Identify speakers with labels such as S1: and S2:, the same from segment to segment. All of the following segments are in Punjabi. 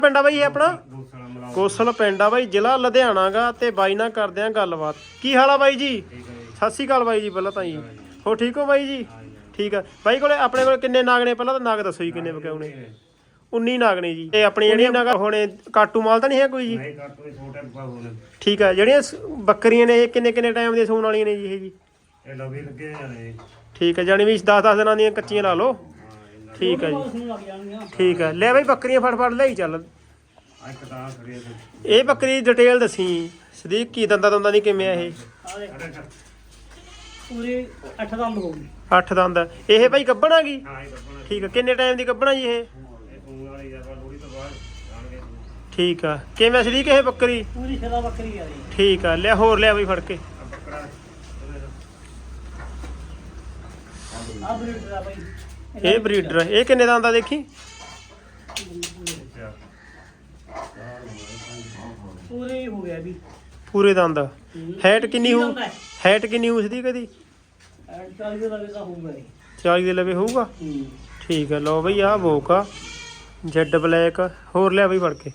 S1: ਪਿੰਡ ਆ ਬਾਈ ਇਹ ਆਪਣਾ ਕੋਸਲ ਪਿੰਡ ਆ ਬਾਈ, ਜ਼ਿਲ੍ਹਾ ਲੁਧਿਆਣਾ ਗਾ। ਤੇ ਬਾਈ ਨਾਲ ਕਰਦੇ ਆ ਗੱਲਬਾਤ। ਕੀ ਹਾਲ ਆ ਬਾਈ ਜੀ? ਸਤਿ ਸ਼੍ਰੀ ਅਕਾਲ ਬਾਈ ਜੀ ਪਹਿਲਾਂ ਤਾਂ ਜੀ। ਹੋ ਠੀਕ ਹੋ ਬਾਈ ਜੀ? ਠੀਕ ਆ ਬਾਈ। ਕੋਲੇ ਆਪਣੇ ਕੋਲ ਕਿੰਨੇ ਨਾਗ ਨੇ? ਪਹਿਲਾਂ ਤਾਂ ਨਾਗ ਦੱਸੋ ਜੀ ਕਿੰਨੇ ਵਿਕਾਉਣੇ? 19 ਨਾਗ ਨੇ ਜੀ। ਤੇ ਆਪਣੀ ਜਿਹੜੀਆਂ ਨਾਗ ਹੁਣੇ ਕਾਟੂ ਮਾਲ ਤਾਂ ਨਹੀਂ ਹੈ ਕੋਈ ਜੀ? ਠੀਕ ਆ। ਜਿਹੜੀਆਂ ਬੱਕਰੀਆਂ ਨੇ ਇਹ ਕਿੰਨੇ ਕਿੰਨੇ ਟਾਈਮ ਦੀਆਂ ਸੂਣ ਵਾਲੀਆਂ ਨੇ ਜੀ? ਇਹ ਜੀ ਠੀਕ ਆ, ਜਾਣੀ ਵੀ 10-10 ਦਿਨਾਂ ਦੀਆਂ ਕੱਚੀਆਂ ਲਾ ਲਓ। ਠੀਕ ਆ ਜੀ, ਠੀਕ ਆ। ਲੈ ਬਾਈ ਬੱਕਰੀਆਂ ਫੜ ਲੈ ਚੱਲ। ਇਹ ਬੱਕਰੀ ਦੀ ਡਿਟੇਲ ਦੱਸੀ ਸਦੀਕ, ਕੀ ਦੰਦਾਂ ਦੀ ਕਿਵੇਂ ਆ ਇਹ?
S2: ਪੂਰੇ 8 ਦੰਦ ਹੋ ਗਏ।
S1: 8 ਦੰਦ। ਇਹ ਬਾਈ ਗੱਭਣ ਆ ਗਈ? ਠੀਕ ਆ। ਕਿੰਨੇ ਟਾਈਮ ਦੀ ਗੱਭਣ ਆ ਜੀ ਇਹ? ਠੀਕ ਆ। ਕਿਵੇਂ ਸਦੀਕ ਇਹ ਬੱਕਰੀ?
S2: ਪੂਰੀ ਸ਼ਦਾ ਬੱਕਰੀ ਆ ਜੀ।
S1: ਠੀਕ ਆ। ਲਿਆ ਹੋਰ ਲਿਆ ਬਾਈ ਫੜ ਕੇ।
S2: ਆ ਬਰੀਡਰ ਆ ਬਾਈ।
S1: ਇਹ ਬਰੀਡਰ। ਇਹ ਕਿੰਨੇ ਦੰਦ ਆ ਦੇਖੀ?
S2: ਪੂਰੇ ਹੋ ਗਿਆ ਵੀ।
S1: ਪੂਰੇ ਦੰਦ। ਹੈਟ ਕਿੰਨੀ ਹੋਊ? ਹੈਟ ਕਿੰਨੀ ਹੋਊ ਸਦੀਕ ਇਹਦੀ?
S2: 40 ਦੇ ਲਵੇ ਤਾਂ ਹੋਊਗਾ ਜੀ।
S1: 40 ਦੇ ਲਵੇ ਹੋਊਗਾ। ਠੀਕ ਆ। ਲਓ ਬਈ ਆਹ ਬੋਕ ਆ ਜੈਡ ਬਲੈਕ। ਹੋਰ ਲਿਆ ਬਈ ਫੜ ਕੇ।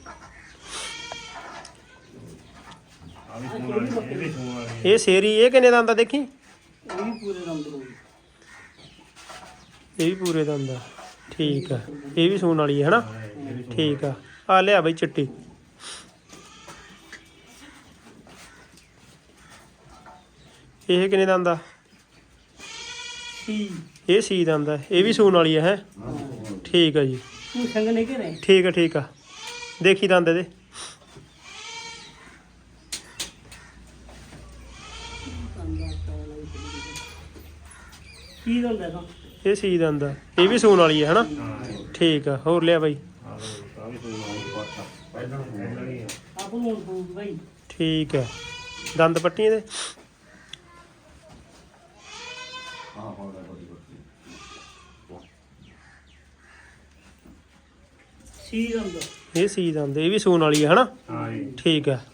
S1: ਇਹ ਸ਼ੇਰੀ। ਇਹ ਕਿੰਨੇ ਦੰਦ ਆ ਦੇਖੀ?
S2: ਇਹ ਵੀ ਪੂਰੇ ਦੰਦ ਹੋ ਗਏ।
S1: ਇਹ ਵੀ ਪੂਰੇ ਦੰਦ ਆ। ਠੀਕ ਆ। ਇਹ ਵੀ ਸੂਣ ਵਾਲੀ ਹੈ ਹਨਾ? ਠੀਕ ਆ। ਆ ਲਿਆ ਬਈ ਚਿੱਟੀ। ਇਹ ਕਿੰਨੇ ਦੰਦ ਆ? ਇਹ ਸੀ ਦੰਦ ਆ। ਇਹ ਵੀ ਸੂਣ ਵਾਲੀ ਹੈ? ਠੀਕ ਆ ਜੀ।
S2: ਤੂੰ ਸੰਗ ਨਹੀਂ ਘਰੇ?
S1: ਠੀਕ ਆ, ਠੀਕ ਆ। ਦੇਖੀ ਦੰਦ ਇਹਦੇ।
S2: ਕੀ ਦੰਦ ਹੈ ਤਾਂ?
S1: ਇਹ ਸੀ ਦੰਦ ਆ। ਇਹ ਵੀ ਸੂਣ ਵਾਲੀ ਹੈ ਹਨਾ? ਠੀਕ ਆ। ਹੋਰ ਲਿਆ ਬਾਈ।
S2: ਆਪ ਨੂੰ ਫੂਕ ਬਾਈ।
S1: ਠੀਕ ਆ। ਦੰਦ ਪੱਟੀ ਇਹਦੇ।
S2: ਸੀ ਦੰਦ।
S1: ਇਹ ਸੀ ਦੰਦ। ਇਹ ਵੀ ਸੂਣ ਵਾਲੀ ਹੈ ਹਨਾ? ਠੀਕ ਆ।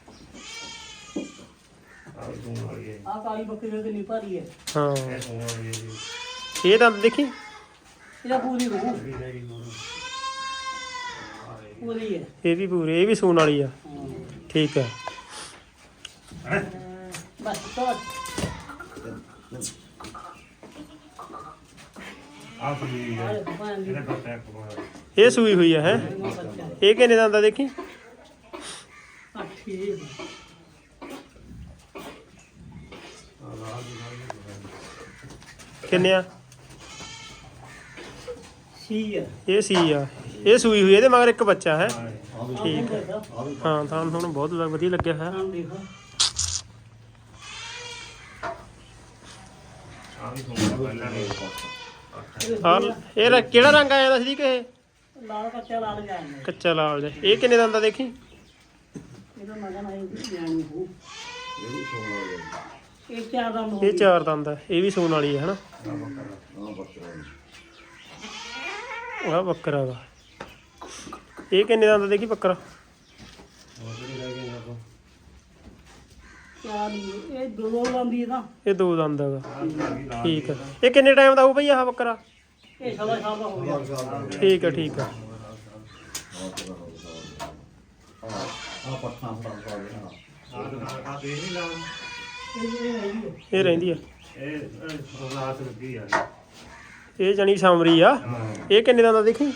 S2: ਆ ਕਾਲੀ ਬੱਕਰੀ ਦੇ ਨਹੀਂ ਭਾਰੀ ਹੈ।
S1: ਹਾਂ। ਇਹ ਦੰਦ ਦੇਖੀ?
S2: ਇਹਦਾ ਪੂਰੀ ਹੋ ਪੂਰੀ ਹੈ।
S1: ਇਹ ਵੀ ਪੂਰੇ। ਇਹ ਵੀ ਸੂਣ ਵਾਲੀ ਆ। ਠੀਕ ਆ।
S2: ਬਸ ਤਾਂ
S1: ਇਹ ਸੂਈ ਹੋਈ ਆ ਹੈ? ਇਹ ਕਿੰਨੇ ਦੰਦ ਆ ਦੇਖੀ? ਕਿੰਨੇ ਆ?
S2: ਸੀ ਆ।
S1: ਇਹ ਸੀ ਆ। ਇਹ ਸੂਈ ਹੋਈ। ਇਹਦੇ ਮਗਰ ਇੱਕ ਬੱਚਾ ਹੈ। ਠੀਕ ਆ। ਹਾਂ ਤੁਹਾਨੂੰ ਬਹੁਤ ਵਧੀਆ ਲੱਗਿਆ ਹੈ। ਇਹ ਕਿਹੜਾ ਰੰਗ ਆਇਆ ਸੀ ਕਿ ਇਹ?
S2: ਲਾਲ ਕੱਚਾ ਲਾਲ ਜਾਂਦਾ।
S1: ਕੱਚਾ ਲਾਲ ਜਿਹਾ। ਇਹ ਕਿੰਨੇ ਦੰਦ ਆ ਦੇਖੀ?
S2: ਇਹਦਾ ਮਗਨ ਆਈ ਜਾਣੀ ਹੋ। ਇਹ 4 ਦੰਦ ਹੋ
S1: ਇਹ 4 ਦੰਦ ਆ। ਇਹ ਵੀ ਸੂਣ ਵਾਲੀ ਹੈ ਹਨਾ? ਆਹ ਬੱਕਰਾ ਵਾ। ਇਹ ਕਿੰਨੇ ਦੰਦ ਦੇਖੀ ਬੱਕਰਾ?
S2: ਇਹ 2 ਦੰਦ ਹੀ ਨਾ।
S1: ਇਹ 2 ਦੰਦ ਹੈਗਾ। ਠੀਕ ਆ। ਇਹ ਕਿੰਨੇ ਟਾਈਮ ਦਾ ਹੋਊ ਬਈ ਆਹ ਬੱਕਰਾ?
S2: ਇਹ ਸਵਾ ਸਾਲ ਦਾ ਹੋ ਗਿਆ।
S1: ਠੀਕ ਆ, ਠੀਕ ਆ। ਇਹ ਰਹਿੰਦੀ ਆ। ਇਹ ਜਾਨੀ ਸਾਮਰੀ ਆ। ਇਹ ਕਿੰਨੇ ਦੰਦ ਦਾ ਦੇਖੀ?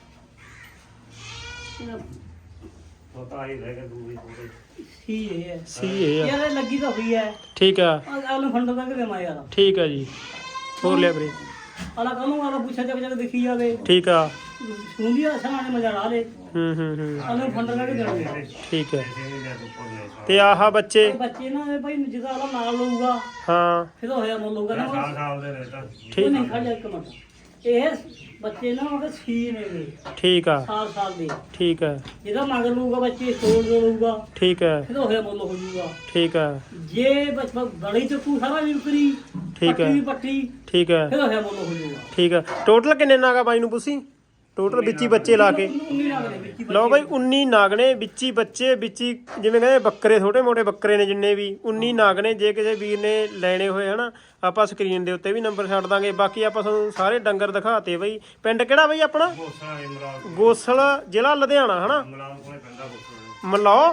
S2: ਸੀ ਇਹ ਹੈ।
S1: ਸੀ ਇਹ ਆ।
S2: ਯਾਰ ਲੱਗੀ ਤਾਂ ਹੋਈ ਹੈ।
S1: ਠੀਕ ਆ,
S2: ਆਲੂ ਫੰਡ ਦਾ ਕਿ ਦੇਵਾਂ ਯਾਰ।
S1: ਠੀਕ ਆ ਜੀ। ਹੋਰ ਲਿਆ ਵੀਰੇ।
S2: ਆਲਾ ਕਾਹਨੂੰ ਆਲਾ ਪੁੱਛਾ ਜਗ ਦੇਖੀ ਜਾਵੇ।
S1: ਠੀਕ ਆ।
S2: ਸੁਣਦੀ ਆ ਸਾਹਮਣੇ ਮਜ਼ਾ ਲਾ ਲੇ।
S1: ਹੂੰ।
S2: ਆਲੂ ਫੰਡ ਦਾ ਕਿ ਦੇਵਾਂ।
S1: ਠੀਕ ਹੈ। ਤੇ ਆਹ ਬੱਚੇ?
S2: ਬੱਚੇ ਨਾ ਭਾਈ ਜਿਹਦਾ ਆਲਾ ਨਾਲ ਲਊਗਾ
S1: ਹਾਂ
S2: ਫਿਰ ਹੋਇਆ ਮੁੱਲ ਲਊਗਾ ਨਾ।
S1: ਠੀਕ।
S2: ਨਹੀਂ ਖੜ ਜਾ ਇੱਕ ਮਿੰਟ। ਇਹ ਬੱਚੇ ਨਾ ਉਹਦੇ ਸੀ ਨੇਗੇ।
S1: ਠੀਕ ਆ।
S2: ਸਾਲ ਦੇ।
S1: ਠੀਕ ਆ।
S2: ਜਿਹਦਾ ਮਗਰ ਲਊਗਾ ਬੱਚੇ ਤੋੜ ਲਊਗਾ।
S1: ਠੀਕ ਹੈ।
S2: ਫਿਰ ਹੋਇਆ ਮੁੱਲ ਹੋ ਜੂਗਾ।
S1: ਠੀਕ ਆ।
S2: ਜੇ ਬੜੀ ਚੱਕੂ ਸਾਰਾ ਵੀ ਉਕਰੀ।
S1: ਠੀਕ ਹੈ।
S2: ਪੱਟੀ
S1: ਠੀਕ ਹੈ।
S2: ਫਿਰ ਹੋਇਆ ਮੁੱਲ ਹੋ ਜੂਗਾ।
S1: ਠੀਕ ਆ। ਟੋਟਲ ਕਿੰਨੇ ਨਾਗਾ ਬਾਈ ਨੂੰ ਪੁੱਛੀ? ਟੋਟਲ ਵਿੱਚ ਹੀ ਬੱਚੇ ਲਾ ਕੇ
S2: 19 ਨਗ ਦੇ ਵਿੱਚ ਹੀ
S1: ਲਓ ਬਾਈ 19 ਨਾਗ ਨੇ ਵਿੱਚ ਹੀ ਬੱਚੇ ਵਿੱਚ ਹੀ ਜਿਵੇਂ ਕਹਿੰਦੇ ਬੱਕਰੇ ਛੋਟੇ ਮੋਟੇ ਬੱਕਰੇ ਨੇ ਜਿੰਨੇ ਵੀ 19 ਨਾਗ ਨੇ। ਜੇ ਕਿਸੇ ਵੀਰ ਨੇ ਲੈਣੇ ਹੋਏ ਹਨਾ ਆਪਾਂ ਸਕਰੀਨ ਦੇ ਉੱਤੇ ਵੀ ਨੰਬਰ ਛੱਡ ਦਾਂਗੇ। ਬਾਕੀ ਆਪਾਂ ਤੁਹਾਨੂੰ ਸਾਰੇ ਡੰਗਰ ਦਿਖਾਤੇ ਬਾਈ। ਪਿੰਡ ਕਿਹੜਾ ਬਾਈ ਆਪਣਾ? ਗੋਸਲ, ਜ਼ਿਲ੍ਹਾ ਲੁਧਿਆਣਾ ਹਨਾ। ਮਲਾਓ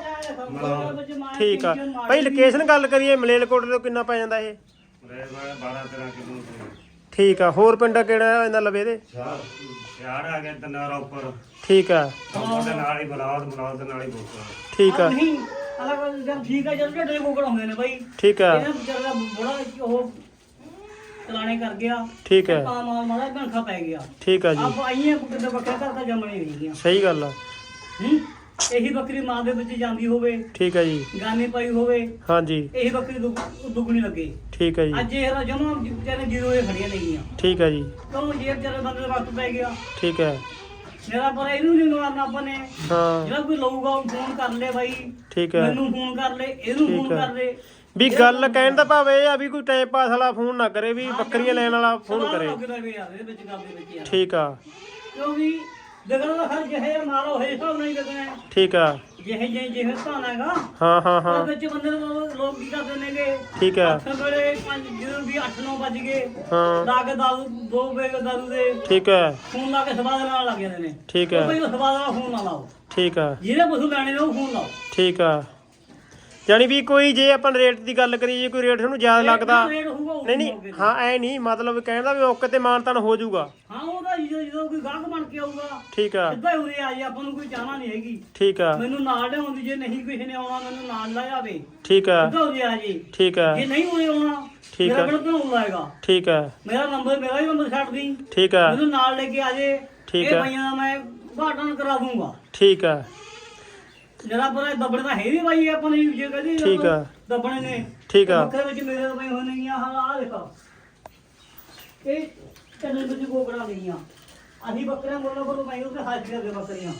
S1: ਠੀਕ ਆ ਬਾਈ। ਲੋਕੇਸ਼ਨ ਗੱਲ ਕਰੀਏ ਮਲੇਰਕੋਟਲੇ ਤੋਂ ਕਿੰਨਾ ਪੈ ਜਾਂਦਾ ਇਹ?
S3: 12-13 ਕਿਲੋ
S1: ਠੀਕ ਆ। ਹੋਰ ਪਿੰਡ ਕਿਹੜਾ ਇਹਦਾ ਲਵੇ ਦੇ?
S3: ਯਾਰ ਆ ਗਿਆ ਤਨਾਰਾ ਉੱਪਰ।
S1: ਠੀਕ ਆ
S3: ਉਹਦੇ ਨਾਲ ਹੀ ਬਲਾਦ ਦੇ ਨਾਲ ਹੀ ਬੋਕਾ।
S1: ਠੀਕ ਆ
S2: ਨਹੀਂ ਅਲੱਗ ਜਦ ਠੀਕ ਆ ਜਦ ਢੇਡੇ ਕੋਕੜ ਹੁੰਦੇ ਨੇ ਬਾਈ।
S1: ਠੀਕ ਆ
S2: ਇਹਨਾਂ ਵਿਚਾਰਾ ਬੜਾ ਉਹ ਚਲਾਣੇ ਕਰ ਗਿਆ।
S1: ਠੀਕ ਹੈ
S2: ਤਾਂ ਮਾਲ ਮਾੜਾ ਗੰਖਾ ਪੈ ਗਿਆ।
S1: ਠੀਕ ਆ ਜੀ
S2: ਆਪ ਆਈਆਂ ਕਿਤੇ ਬੱਕਰਾ ਘਰ ਤਾਂ ਜੰਮਣੇ ਨਹੀਂ ਗਈਆਂ।
S1: ਸਹੀ ਗੱਲ ਆ।
S2: ਇਹੀ ਬੱਕਰੀ ਮਾਂ ਦੇ ਵਿੱਚ ਜਾਂਦੀ ਹੋਵੇ,
S1: ਠੀਕ ਆ ਜੀ
S2: ਗਾਨੇ ਪਾਈ ਹੋਵੇ,
S1: ਹਾਂਜੀ
S2: ਇਹੀ ਬੱਕਰੀ ਦੁੱਗਣੀ ਲੱਗੇ।
S1: ਠੀਕ ਆ ਜੀ
S2: ਅੱਜ ਇਹ ਜਮਾ ਵਿਚਾਰੇ ਜੀਰੋ ਇਹ ਖੜੀਆਂ ਨੇਗੀਆਂ।
S1: ਠੀਕ ਆ ਜੀ
S2: ਕਿਉਂ ਜੇ ਵਿਚਾਰੇ ਬੰਦੇ ਦਾ ਵਕਤ ਪੈ ਗਿਆ।
S1: ਠੀਕ ਹੈ
S2: ਮੇਰਾ ਪਰ ਇਹਨੂੰ ਨਹੀਂ ਮਾਰਨਾ ਆਪਾਂ ਨੇ।
S1: ਹਾਂ
S2: ਜਿਹੜਾ ਕੋਈ ਲਊਗਾ ਉਹ ਫੋਨ ਕਰ ਲੈ ਬਾਈ,
S1: ਠੀਕ ਹੈ
S2: ਮੈਨੂੰ ਫੋਨ ਕਰ ਲੈ, ਇਹਨੂੰ
S1: ਠੀਕ
S2: ਫੋਨ
S1: ਹੈ।
S2: ਕਰ ਲੈ।
S1: ਵੀ ਗੱਲ ਕਹਿਣ ਦਾ ਭਾਵ ਇਹ ਆ ਵੀ ਕੋਈ ਟਾਈਮ ਪਾਸ ਵਾਲਾ ਫੋਨ ਨਾ ਕਰੇ, ਵੀ ਬੱਕਰੀਆਂ ਲੈਣ ਵਾਲਾ ਫੋਨ ਕਰੇ। ਠੀਕ ਆ
S2: ਕਿਉਂਕਿ ਦੇਖਣ ਦਾ ਹਰ ਜਿਹੇ ਮਾਲ ਹੋਏ ਹਿਸਾਬ ਨਾਲ ਹੀ ਲੱਗਣਾ।
S1: ਠੀਕ ਆ
S2: ਜਿਹੇ ਧਾਨ ਹੈਗਾ।
S1: ਹਾਂ
S2: ਉਹ ਵਿੱਚ ਬੰਦੇ ਨੂੰ ਲੋਕ ਕੀ ਕਰਦੇ ਨੇਗੇ।
S1: ਠੀਕ ਆ
S2: ਅੱਠ ਵੇਲੇ 5 ਜਦੋਂ ਵੀ 8-9 ਵੱਜ ਗਏ
S1: ਹਾਂ
S2: ਲਾ ਕੇ ਦਾਰੂ 2 ਵੇਲੇ ਦਾਰੂ ਦੇ
S1: ਠੀਕ ਹੈ
S2: ਫੋਨ ਲਾ ਕੇ ਸਵਾਦ ਨਾਲ ਲੱਗ ਜਾਂਦੇ ਨੇ।
S1: ਠੀਕ
S2: ਉਹ
S1: ਹੈ
S2: ਬਈ ਉਹ ਸਵਾਦ ਵਾਲਾ ਫੋਨ ਨਾ ਲਾਓ।
S1: ਠੀਕ ਆ
S2: ਜਿਹਨੇ ਪਸ਼ੂ ਲੈਣੇ ਨੇ ਉਹ ਫੋਨ ਲਾਓ।
S1: ਠੀਕ ਆ। ਜਾਣੀ ਵੀ ਕੋਈ ਜੇ ਆਪਾਂ ਰੇਟ ਦੀ ਗੱਲ ਕਰੀਏ, ਜੇ ਕੋਈ ਰੇਟ ਤੁਹਾਨੂੰ ਜ਼ਿਆਦਾ ਲੱਗਦਾ
S2: ਰੇਟ ਹੋਊਗਾ ਉਹ
S1: ਨਹੀਂ ਨਹੀਂ
S2: ਮੌਕੇ ਤੇ।
S1: ਹਾਂ ਐ ਨਹੀਂ ਮਤਲਬ ਕਹਿੰਦਾ ਵੀ ਮੌਕੇ ਤੇ ਮਾਨਤਾਨ ਹੋ ਜਾਊਗਾ।
S2: ਹਾਂ ਉਹਦਾ ਜਦੋਂ ਕੋਈ ਗਾਹਕ ਬਣ ਕੇ ਆਊਗਾ
S1: ਠੀਕ ਆ
S2: ਸਿੱਧਾ ਹੀ ਉਰੇ ਆ ਜੇ। ਆਪਾਂ ਨੂੰ ਕੋਈ ਚਾਹਨਾ ਨਹੀਂ ਹੈਗੀ
S1: ਠੀਕ ਆ
S2: ਮੈਨੂੰ ਨਾਲ ਲਿਆਉਂਦੀ, ਜੇ ਨਹੀਂ ਕਿਸੇ ਨੇ ਆਉਣਾ ਮੈਨੂੰ ਨਾਲ ਲੈ ਜਾਵੇ।
S1: ਠੀਕ ਆ
S2: ਸਿੱਧਾ ਉਰੇ ਆ ਜੀ।
S1: ਠੀਕ ਆ
S2: ਜੇ ਨਹੀਂ ਉਰੇ ਆਉਣਾ
S1: ਠੀਕ
S2: ਮੇਰਾ
S1: ਆ।
S2: ਕਿਹੜਾ ਧੌਣ ਲਾਏਗਾ।
S1: ਠੀਕ ਆ
S2: ਮੇਰਾ ਹੀ ਨੰਬਰ ਛੱਡ ਦੀ,
S1: ਠੀਕ ਆ
S2: ਮੈਨੂੰ ਨਾਲ ਲੈ ਕੇ ਆ ਜੇ।
S1: ਠੀਕ
S2: ਇਹ
S1: ਆ।
S2: ਬਾਈਆਂ ਦਾ ਮੈਂ ਘਾਟਨ ਕਰਾ ਦੂੰਗਾ।
S1: ਠੀਕ ਆ
S2: ਜਰਾ ਪਰ ਦੱਬਣੇ ਤਾਂ ਹੈ ਨਹੀਂ ਬਾਈ ਆਪਾਂ ਨੇ ਜੇ ਕਹਦੀ
S1: ਠੀਕ ਆ।
S2: ਦੱਬਣੇ ਨੇ।
S1: ਠੀਕ ਆ
S2: ਬੱਕਰੇ ਵਿੱਚ ਮੇਰੇ ਤਾਂ ਬਈ ਹੋਣੇ ਗਈਆਂ। ਹਾਂ ਆ ਦੇਖੋ ਇਹ ਕੰਨੇ ਵਿੱਚ ਗੋਗੜਾ ਗਈਆਂ। ਅਸੀਂ ਬੱਕਰੀਆਂ ਮੁੱਲ ਕੋਲ ਮੈਂ ਉਹਦੇ ਹਾਜ਼ਰ ਦੇ ਬੱਕਰੀਆਂ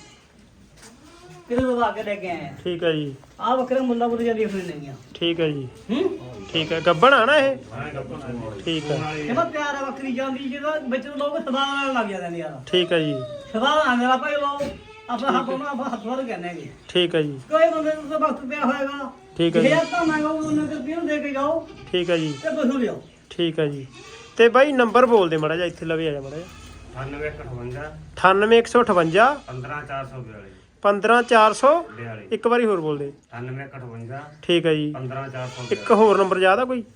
S2: ਕਿਹਦੇ ਲਵਾ ਕੇ ਲੈ ਕੇ ਆਏ ਆ।
S1: ਠੀਕ ਆ ਜੀ
S2: ਆ ਬੱਕਰੇ ਮੁੱਲਾ ਕੋਲ ਜਾਂਦੀ ਹੋਣੀ ਨੇਗੀਆਂ।
S1: ਠੀਕ ਆ ਜੀ
S2: ਹੂੰ
S1: ਠੀਕ ਆ। ਗੱਬਣ ਆ ਨਾ ਇਹ?
S3: ਮੈਂ ਗੱਪਾਂ
S1: ਠੀਕ ਆ
S2: ਇਹਦਾ ਪਿਆਰ ਹੈ ਬੱਕਰੀ ਜਾਂਦੀ ਜਿਹਦਾ ਵਿੱਚ ਲੋਕ ਸਦਾ ਨਾਲ ਲੱਗ ਜਾਂਦੇ ਨੇ ਯਾਰ।
S1: ਠੀਕ ਆ ਜੀ
S2: ਸਦਾ ਨਾਲ ਮੇਰਾ ਭਾਈ ਲੋਕ ਆਪਣਾ ਹੱਥ ਉਹਨਾਂ ਆਪਾਂ ਹੱਥ ਵਾਰ ਕਹਿੰਦੇ ਹੈਗੇ।
S1: ਠੀਕ ਆ ਜੀ
S2: ਕੋਈ ਬੰਦੇ ਨੂੰ ਤਾਂ ਵਕਤ ਪਿਆ ਹੋਏਗਾ।
S1: ਠੀਕ ਆ ਜੀ
S2: ਜੇ ਤਾਂ ਮੈਂ ਉਹਨਾਂ ਦੇ ਰੁਪਏ ਦੇ ਕੇ ਜਾਓ
S1: ਠੀਕ ਆ ਜੀ
S2: ਤੇ ਪਸ਼ੂ ਲਿਆਓ।
S1: ਠੀਕ ਆ ਜੀ। ਤੇ ਬਾਈ ਨੰਬਰ ਬੋਲ ਦੇ ਮਾੜਾ ਜਿਹਾ, ਇੱਥੇ ਲਵੇ ਆ ਜਾ ਮਾੜਾ ਜਿਹਾ।
S3: 9858
S1: 98158
S3: 15442
S1: 15442 ਇੱਕ ਵਾਰੀ ਹੋਰ ਬੋਲ ਦੇ।
S3: 9858
S1: ਠੀਕ ਆ ਜੀ।
S3: 15442
S1: ਇੱਕ ਹੋਰ ਨੰਬਰ ਯਾਦ ਆ ਕੋਈ?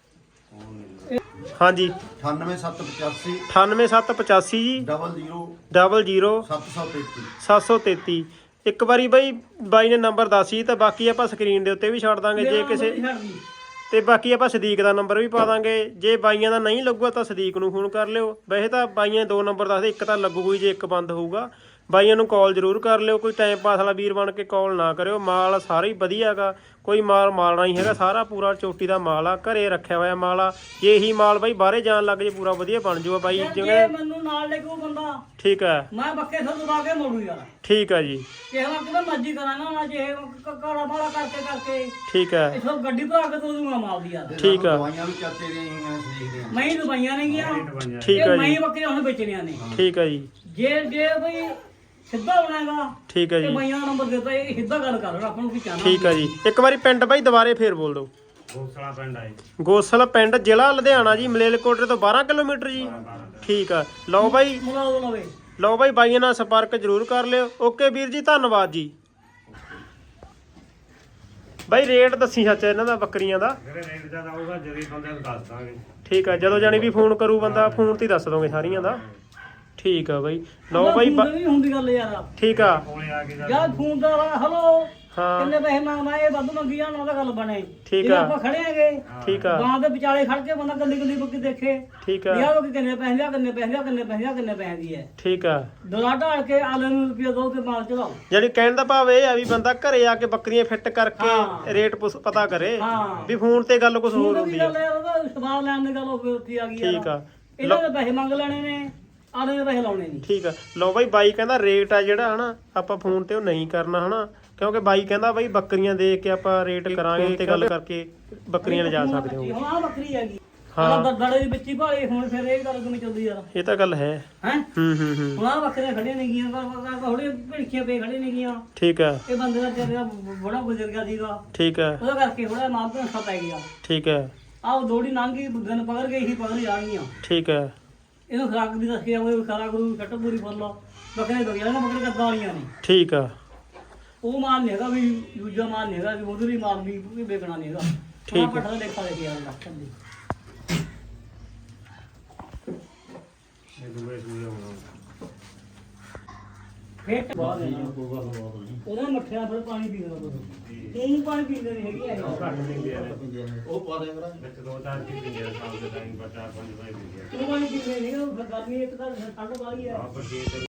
S1: ਹਾਂਜੀ
S4: 98785
S1: 98785 ਜੀ
S4: 00
S1: 00
S4: 733
S1: 733। ਇੱਕ ਵਾਰੀ ਬਾਈ ਨੇ ਨੰਬਰ ਦੱਸੀ ਤਾਂ ਬਾਕੀ ਆਪਾਂ ਸਕਰੀਨ ਦੇ ਉੱਤੇ ਵੀ ਛੱਡ ਦਾਂਗੇ। ਜੇ ਕਿਸੇ ਤੇ ਬਾਕੀ ਆਪਾਂ ਸਦੀਕ ਦਾ ਨੰਬਰ ਵੀ ਪਾ ਦਾਂਗੇ। ਜੇ ਬਾਈਆਂ ਦਾ ਨਹੀਂ ਲੱਗੂਗਾ ਤਾਂ ਸਦੀਕ ਨੂੰ ਫੋਨ ਕਰ ਲਿਓ। ਵੈਸੇ ਤਾਂ ਬਾਈਆਂ 2 ਨੰਬਰ ਦੱਸਦੇ, ਇੱਕ ਤਾਂ ਲੱਗੂਗਾ ਜੇ ਇੱਕ ਬੰਦ ਹੋਊਗਾ। ਬਾਈਆਂ ਨੂੰ ਕਾਲ ਜ਼ਰੂਰ ਕਰ ਲਿਓ। ਕੋਈ ਟਾਈਮ ਪਾਸ ਵਾਲਾ ਵੀਰ ਬਣ ਕੇ ਕਾਲ ਨਾ ਕਰਿਓ। ਮਾਲ ਸਾਰਾ ਹੀ ਵਧੀਆ ਹੈਗਾ, ਕੋਈ ਮਾਲ ਮਾਲਣਾ ਹੀ ਹੈਗਾ। ਸਾਰਾ ਪੂਰਾ ਚੋਟੀ ਦਾ ਮਾਲ ਆ, ਘਰੇ ਰੱਖਿਆ ਹੋਇਆ ਮਾਲ ਆ। ਜੇ ਇਹੀ ਮਾਲ ਬਾਈ ਬਾਹਰੇ ਜਾਣ ਲੱਗ ਜੇ ਪੂਰਾ ਵਧੀਆ ਬਣ ਜਾਊਗਾ ਬਾਈ।
S2: ਜੇ
S1: ਜਿਵੇਂ
S2: ਮੈਨੂੰ ਨਾਲ ਲੈ ਕੇ ਉਹ ਬੰਦਾ
S1: ਠੀਕ ਹੈ
S2: ਮੈਂ ਬੱਕੇ ਤੋਂ ਦਬਾ ਕੇ ਮੋੜੂ ਯਾਰ।
S1: ਠੀਕ ਆ ਜੀ
S2: ਕਿਸੇ ਵਕਤ ਮੈਂ ਮਰਜ਼ੀ ਕਰਾਂਗਾ ਨਾ। ਜੇ ਘੜਾ ਮਾੜਾ ਕਰਕੇ
S1: ਠੀਕ ਹੈ
S2: ਇਥੋਂ ਗੱਡੀ ਭਰਾ ਕੇ ਤੋਂ ਦੂੰਗਾ ਮਾਲ ਦੀ ਯਾਰ।
S1: ਠੀਕ ਆ
S4: ਦਵਾਈਆਂ ਵੀ ਚਾਚੇ ਦੀਆਂ ਹੋਈਆਂ ਦੇਖਦੇ ਆ।
S2: ਮੈਂ ਹੀ ਦਵਾਈਆਂ ਨੇ ਗਿਆ।
S1: ਠੀਕ ਆ
S2: ਮੈਂ
S1: ਜੀ
S2: ਹੀ ਬੱਕਰੀਆਂ ਹੁਣ ਵੇਚਣੀਆਂ ਨੇ।
S1: ਠੀਕ ਆ ਜੀ
S2: ਜੇ ਬਈ ਸਿੱਧਾ ਬਣਾਏਗਾ
S1: ਠੀਕ ਆ
S2: ਤੇ
S1: ਜੀ
S2: ਬਾਈਆਂ ਦਾ ਨੰਬਰ ਦਿੱਤਾ, ਇਹ ਸਿੱਧਾ ਗੱਲ ਕਰ ਆਪਾਂ ਨੂੰ ਕੀ ਚਾਹਨਾ।
S1: ਠੀਕ ਆ ਜੀ। ਇੱਕ ਵਾਰੀ ਪਿੰਡ ਬਾਈ ਦੁਬਾਰੇ ਫੇਰ ਬੋਲ ਦਿਓ।
S3: ਗੋਸਲਾ ਪਿੰਡ ਆਈ
S1: ਗੋਸਲ ਪਿੰਡ, ਜ਼ਿਲ੍ਹਾ ਲੁਧਿਆਣਾ ਜੀ, ਮਲੇਰਕੋਟਲੇ ਤੋਂ 12 ਕਿਲੋਮੀਟਰ ਜੀ। ਠੀਕ ਆ। ਲਓ ਬਾਈ
S2: ਮੁਲਾਓ ਲਵੇ।
S1: ਲਓ ਬਾਈ ਬਾਈਆਂ ਨਾਲ ਸੰਪਰਕ ਜ਼ਰੂਰ ਕਰ ਲਿਓ। ਓਕੇ ਵੀਰ ਜੀ, ਧੰਨਵਾਦ ਜੀ। ਬਾਈ ਰੇਟ ਦੱਸੀ ਸੱਚ ਇਹਨਾਂ ਦਾ ਬੱਕਰੀਆਂ ਦਾ।
S3: ਜਿਹੜੇ ਰੇਟ ਜ਼ਿਆਦਾ ਆਊਗਾ ਜਦੀ ਬੰਦੇ ਨੂੰ ਦੱਸ ਦਾਂਗੇ।
S1: ਠੀਕ ਆ, ਜਦੋਂ ਜਾਣੀ ਵੀ ਫੋਨ ਕਰੂ ਬੰਦਾ ਫੋਨ ਤੇ ਹੀ ਦੱਸ ਦੋਗੇ ਸਾਰੀਆਂ ਦਾ। ਠੀਕ ਆ ਬਾਈ। ਲਓ ਬਾਈ
S2: ਨਹੀਂ ਹੁੰਦੀ ਗੱਲ ਯਾਰ।
S1: ਠੀਕ ਆ
S3: ਕੋਲੇ ਆ ਕੇ
S2: ਯਾਰ ਫੋਨ ਦਾ ਹਲੋ
S1: ਹਾਂ
S2: ਕਿੰਨੇ ਪੈਸੇ ਮੰਗਦਾ, ਇਹ ਵੱਧ ਮੰਗੀ ਜਾਣ ਉਹਦਾ ਗੱਲ ਬਣੇ।
S1: ਠੀਕ
S2: ਜੇ
S1: ਆ।
S2: ਆਪਾਂ ਖੜੇ ਹੈਗੇ
S1: ਠੀਕ ਆ
S2: ਗਾਂ ਦੇ ਵਿਚਾਲੇ ਖੜ ਕੇ ਬੰਦਾ ਗੱਲੀ ਬੱਕੀ ਦੇਖੇ
S1: ਠੀਕ ਆ
S2: ਯਾਰ ਉਹ ਕਿੰਨੇ ਪੈਸੇ ਲਿਆ, ਕਿੰਨੇ ਪੈਸੇ ਦੀ ਹੈ।
S1: ਠੀਕ ਆ।
S2: ਦਲਾ ਢਾਲ ਕੇ ਆਲੇ ਨੂੰ ਰੁਪਿਆ ਦੋ ਤੇ ਮਾਲ ਚਲਾਓ।
S1: ਜਿਹੜੀ ਕਹਿਣ ਦਾ ਭਾਵ ਇਹ ਆ ਵੀ ਬੰਦਾ ਘਰੇ ਆ ਕੇ ਬੱਕਰੀਆਂ ਫਿੱਟ ਕਰਕੇ
S2: ਹਾਂ।
S1: ਰੇਟ ਪਤਾ ਕਰੇ।
S2: ਹਾਂ।
S1: ਵੀ ਫੋਨ ਤੇ ਗੱਲ ਕੁਝ ਹੋਰ
S2: ਫੋਨ
S1: ਹੁੰਦੀ
S2: ਦੀ
S1: ਆ।
S2: ਗੱਲ ਯਾਰ ਉਹਦਾ ਸਵਾਲ ਲੈਣ ਦੀ ਗੱਲ ਉਹ ਉੱਥੇ ਆ ਗਈ ਯਾਰ।
S1: ਠੀਕ ਆ
S2: ਇਹਨਾਂ ਦੇ ਪੈਸੇ ਮੰਗ ਲੈਣੇ ਨੇ, ਆਲੇ ਦੇ ਪੈਸੇ ਲਾਉਣੇ ਨਹੀਂ।
S1: ਠੀਕ ਆ। ਲਓ ਬਾਈ ਬਾਈ ਕਹਿੰਦਾ ਰੇਟ ਆ ਜਿਹੜਾ ਹਨਾ ਆਪਾਂ ਫੋਨ ਤੇ ਉਹ ਨਹੀਂ ਕਰਨਾ ਹਨਾ, ਕਿਉਂਕਿ ਬਾਈ ਕਹਿੰਦਾ ਬਾਈ ਬੱਕਰੀਆਂ ਦੇਖ ਕੇ ਆਪਾਂ ਰੇਟ ਕਰਾਂਗੇ ਤੇ ਗੱਲ ਕਰਕੇ ਬੱਕਰੀਆਂ ਲਿਜਾ ਸਕਦੇ ਹੋ।
S2: ਹੁਣ ਆ ਬੱਕਰੀ ਹੈਗੀ
S1: ਹਾਂ।
S2: ਦੜੇ ਦੀ ਬੱਚੀ ਭਾਲੀ ਹੁਣ ਫਿਰ ਇਹ ਗੱਲ ਕਿਵੇਂ ਚੱਲਦੀ ਯਾਰ
S1: ਇਹ ਤਾਂ ਗੱਲ ਹੈ।
S2: ਹੈ
S1: ਹੂੰ
S2: ਹੁਣ ਆ ਬੱਕਰੀਆਂ ਖੜੀਆਂ ਨੇ ਗੀਆਂ ਥੋੜੇ ਭਿੜਕੀਆਂ ਪਏ ਖੜੇ ਨੇ ਗੀਆਂ
S1: ਠੀਕ ਹੈ
S2: ਇਹ ਬੰਦੇ ਦਾ ਜਿਹੜਾ ਬੜਾ ਗੁਜ਼ਰ ਗਿਆ ਸੀਗਾ
S1: ਠੀਕ ਹੈ
S2: ਉਹਦਾ ਕਰਕੇ ਥੋੜਾ ਮਾਲ ਭੰਸਾ ਪੈ ਗਿਆ
S1: ਠੀਕ ਹੈ
S2: ਆਹ ਦੋੜੀ ਲੰਘੀ ਦਿਨ ਪਕੜ ਗਈ ਸੀ ਪਕੜ ਜਾਣਗੀਆਂ
S1: ਠੀਕ ਹੈ
S2: ਇਹਨੂੰ ਖਰਾਕ ਦੀ ਦੱਸਿਆ ਉਹ ਖਰਾ ਗੁਰੂ ਛੱਟ ਪੂਰੀ ਫੜ ਲਾ ਬੱਕਰੇ ਦੋ ਯਾਰ ਬੱਕਰੇ ਕੱਦਾਂ ਵਾਲੀਆਂ ਨੇ
S1: ਠੀਕ ਆ
S2: ਉਹ ਮਾਲ ਨਹੀਂ ਹੈਗਾ ਵੀ ਦੂਜਾ ਮਾਲ ਨਹੀਂ ਹੈਗਾ ਵੀ ਉਧਰ ਹੀ ਮਾਲ ਵੀ ਵੇਚਣਾ ਨਹੀਂ ਹੈਗਾ
S1: ਠੀਕ
S2: ਪੱਠਾ ਦਾ ਦੇਖਾ ਦੇਖਿਆ ਲੱਖ ਦੀ
S3: ਇਹ ਦੂਏ ਸੂਏ ਹੋਣਾ
S2: ਫੇਟ ਬਾਅਦ ਉਹਨਾਂ ਮੱਠਿਆਂ ਫਿਰ ਪਾਣੀ ਪੀਣਾ ਉਹ ਪਾਣੀ ਪੀਂਦੇ ਨਹੀਂ ਹੈਗੇ
S3: ਉਹ ਘੱਟ ਦਿੰਦੇ ਆ
S4: ਉਹ ਪਾ ਦਿਆ ਕਰਾਂ
S3: ਵਿੱਚ 2-4 ਕੀ ਦਿੰਦੇ ਆ ਸ਼ਾਮ ਦੇ ਟਾਈਮ 4-5 ਵਜੇ ਦਿੰਦੇ ਆ
S2: ਉਹ ਪਾਣੀ ਪੀਂਦੇ ਨਹੀਂ ਉਹ ਗਰਮੀ ਇੱਕ ਤਾਂ ਠੰਡ ਵਾਲੀ ਹੈ
S3: ਆਪ ਪਰ